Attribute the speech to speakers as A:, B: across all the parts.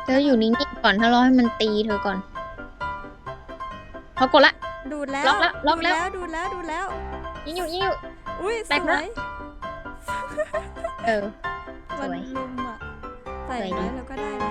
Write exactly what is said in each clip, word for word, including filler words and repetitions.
A: เธออยู่นิ่งๆก่อนถ้ารอให้มันตีเธอก่อนเขากดละ
B: ดูดแล้ว
A: ล็อกแล้วล็อกแล้ว
B: ดูดแล้วดูดแล้ว
A: ยิงอยู่ยิงอยู่
B: อุ้ย
A: แต
B: ส
A: ก
B: ว
A: แล้ว
B: ย
A: เออ ส
B: มัน
A: วย
B: ลุมอ่ะใส่
A: สวยดี
B: ไว้แล้วก็ได้นะ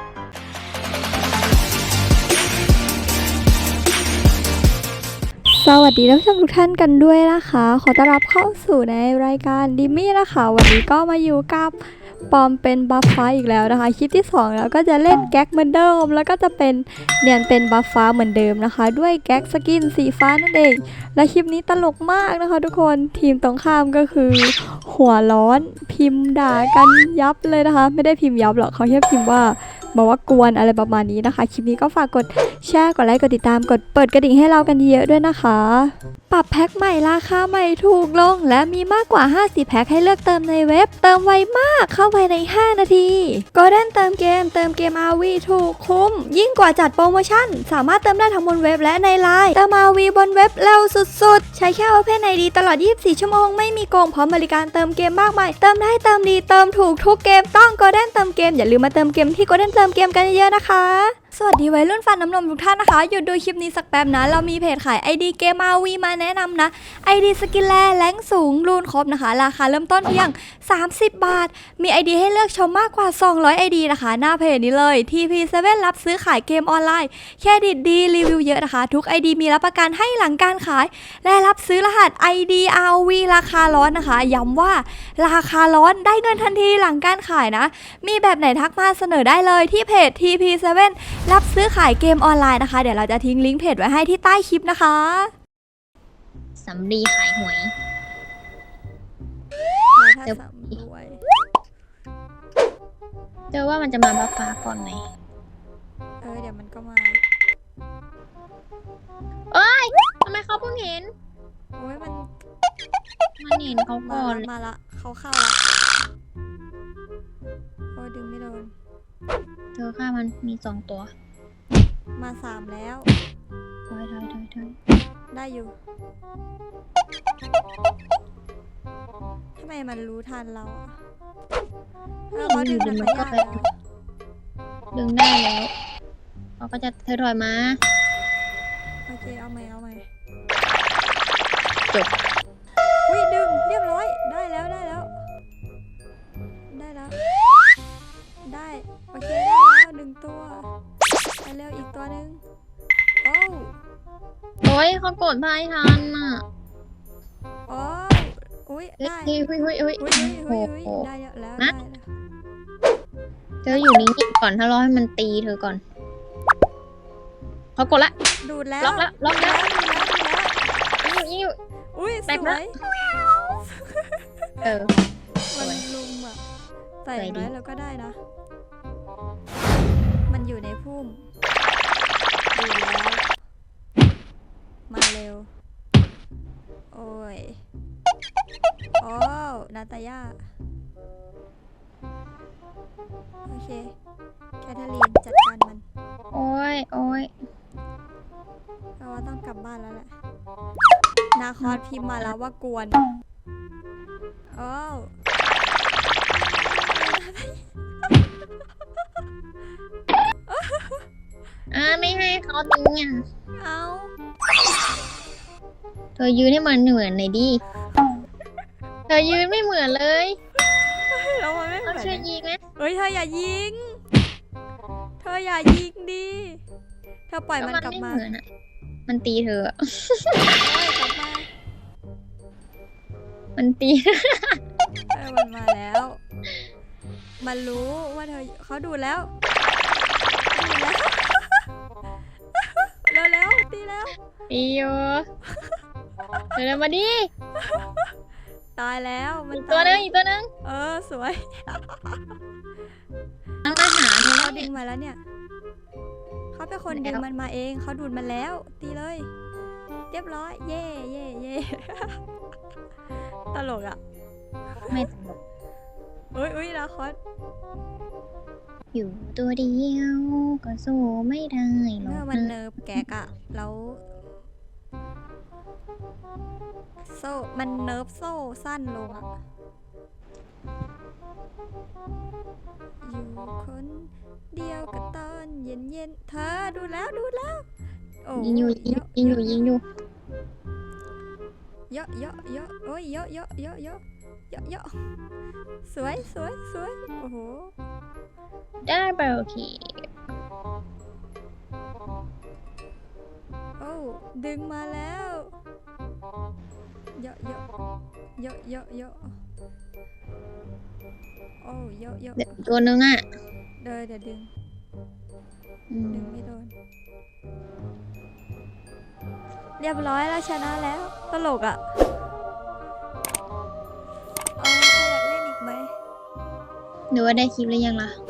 B: สวัสดีท่านผู้ชมทุกท่านกันด้วยนะคะ ขอต้อนรับเข้าสู่ในรายการดิมมี่นะคะ วันนี้ก็มาอยู่กับปอมเป็นบัฟฟ้าอีกแล้วนะคะคลิปที่สองแล้วก็จะเล่นแก๊กเหมือนเดิมแล้วก็จะเป็นเนียนเป็นบัฟฟ้าเหมือนเดิมนะคะ ด้วยแก๊กสกินสีฟ้านั่นเองและคลิปนี้ตลกมากนะคะทุกคนทีมตรงข้ามก็คือหัวร้อนพิมพ์ด่ากันยับเลยนะคะ ไม่ได้พิมพ์ยับหรอกเขาแค่พิมพ์ว่าบอกว่ากวนอะไรประมาณนี้นะคะคลิปนี้ก็ฝากกดแชร์กดไลค์กดติดตามกดเปิดกระดิ่งให้เรากันเยอะด้วยนะคะปรับแพ็คใหม่ราคาใหม่ถูกลงและมีมากกว่าห้าสิบแพ็คให้เลือกเติมในเว็บเติมไวมากเข้าภายในห้านาที Golden เติมเกมเติมเกม อาร์ วี ถูกคุ้มยิ่งกว่าจัดโปรโมชั่นสามารถเติมได้ทั้งบนเว็บและในไลน์เติม อาร์ วี บนเว็บเร็วสุดๆใช้แค่ Open ไอ ดี ตลอดยี่สิบสี่ชั่วโมงไม่มีโกงพร้อมบริการเติมเกมมากมายเติมได้เติมดีเติมถูกทุกเกมต้อง Golden เติมเกมอย่าลืมมาเติมเกมที่ Golden เติมเกมกันเยอะๆนะคะสวัสดีวัยรุ่นฟันน้ำนมทุกท่านนะคะหยุดดูคลิปนี้สักแป๊บนะเรามีเพจขาย ไอ ดี เกม อาร์ วี มาแนะนำนะ ไอ ดี สกินแลแรงสูงรูนครบนะคะราคาเริ่มต้นเพียงสามสิบบาทมี ไอ ดี ให้เลือกชมมากกว่าสองร้อย ไอ ดี นะคะหน้าเพจนี้เลย ที พี เซเว่น รับซื้อขายเกมออนไลน์แค่ดิดดีรีวิวเยอะนะคะทุก ไอ ดี มีรับประกันให้หลังการขายและรับซื้อรหัส ไอ ดี อาร์ วี ราคาร้อนนะคะย้ำว่าราคาร้อนได้เงินทันทีหลังการขายนะมีแบบไหนทักมาเสนอได้เลยที่เพจ ที พี เซเว่น รับซื้อขายเกมออนไลน์นะคะเดี๋ยวเราจะทิ้งลิงก์เพจไว้ให้ที่ใต้คลิปนะคะ
A: สำลีขายหวย
B: ถ้า
A: เดี๋ยว
B: สำรวย
A: เจอว่ามันจะมาบัฟฟ้าก่อนไหม
B: เออเดี๋ยวมันก็มา
A: เอ้ยทำไมเขาเพิ่งเห็น
B: โอ้ยมัน
A: มันเห็นเขา
B: มา
A: ก่อน
B: ละมาละเขาเข้าละโอ้ยดึงไม่โดน
A: เธอฆ่ามันมีสองตัว
B: มาสามแล้ว
A: ถอยถอยถอยถอย
B: ได้อยู่ทำไมมันรู้ทันเราอะเออเขาดึงธรรมญาติแล้ว
A: ดึงได้แล้วเขาก็จะเธอถอยมา
B: โอเคเอาใหม่เอาใหม่
A: จบ
B: อุ้ยดึงเรียบร้อยได้แล้วได้แล้ว ได้แล้ว ได้โอเคได้แล้วหนึ่งตัวไปเร็วอีกตัวหนึ่งโอ้
A: โอ้ยเขากดพายทันอ่ะ
B: โอ้อุ้ย
A: เฮ้ย
B: ได้
A: เฮ้ยเฮ้ยเฮ้ยเฮ้ย
B: อุ้ยอุ้ยอุ้ย
A: โอ้โห
B: ได้แล้วได้
A: นะ
B: แล้ว
A: เธออยู่นิ่งๆก่อนถ้ารอให้มันตีเธอก่อนเขากดละ
B: ดูดแล้ว
A: ล็อกแล้วล็อกแล้ว
B: ดูดแล้วดูดแล้ว
A: ยิงอยู่ยิงอยู่
B: อุ้ย
A: แต
B: ส
A: ก
B: ว
A: แล้ว
B: ย
A: เออ ส
B: มัน
A: วย
B: ลุมอ่ะใส่
A: สวยดี
B: ไว้แล้วก็ได้นะ มันอยู่ในพุ่มดูดแล้วมาเร็วโอ้ยโอ้นาตาย่าโอเคแคทเธอรีนจัดการมัน
A: โอ้ยโอ้ย
B: เราว่าต้องกลับบ้านแล้วแหละ นาคอสพิมพ์มาแล้วว่ากวนโอ้ว
A: อ่าไม่ให้เขาดึงอ่ะ
B: เอา
A: เธอยืนให้มันเหมือนหน่อยดิเธอยืนไม่เหมือนเลย
B: เรามันไม่เหมื
A: เรา
B: อน
A: ช่วยยิงไหม
B: เฮ้ยเธออย่ายิง เธออย่ายิงดิ เธอปล่อย
A: ก็
B: มัน
A: มัน
B: กลับ
A: ไม่
B: มา
A: เหมือนอ่ะมันตีเธออะ
B: เฮ้ยกลับมา
A: มันตี
B: เออมันมาแล้ว มันรู้ว่าเธอเขาดูแล้วดูแล้ว เร็วแล้วตีแล้ว
A: ตีอยู่เดี๋ยวมาดิ
B: ตายแล้วมัน
A: อีกตัวหนึงอีกตัวหนึง
B: เออสวย
A: ต้องมาหาเธอแล้
B: เขา
A: ว
B: ดึ
A: เนี่ย
B: งมาแล้วเนี่ย เขาเป็นคน
A: แล้ว
B: ดึงมันมาเอง เขาดูดมันแล้ว ตีเลย เรียบร้อย เย่เย่เย่ ตลกอ่ะ
A: ไม่ตลก
B: อุ้ยอุ้ยลาคอส
A: อยู่ตัวเดียวก็สู้ไม่ได้หรอ
B: เมื่อก มันเนิร์ฟแกกอะแล้วโซ่มันเนิร์ฟโซ่สั้นลงอะอยู่คนเดียวกระตอนเย็นเย็นๆเธอดูแล้วดูแล้วโอ้
A: ยิงอยู่ยิง
B: เยอะ
A: ยิงอยู่ยิงอยู่
B: เยอะเยอะเยอะโอ้ยเยอะเยอะเยอะเยอะเยอะเยอะสวยสวยสวยโอ้โห
A: ได้ไปโอเค
B: โอ้ดึงมาแล้วเยอะเยอะเยอะเยอะเยอะโอ้เยอะเยอะ
A: เดี๋ยวตัวนึงอ่ะ
B: เดินเดี๋ยวดึง
A: อืม
B: ดึงไม่โดนเรียบร้อยแล้วชนะแล้วตลกอ่ะเออใครอยากเล่นอีกไหม
A: หรือว่าได้คลิปหรือยังล่ะ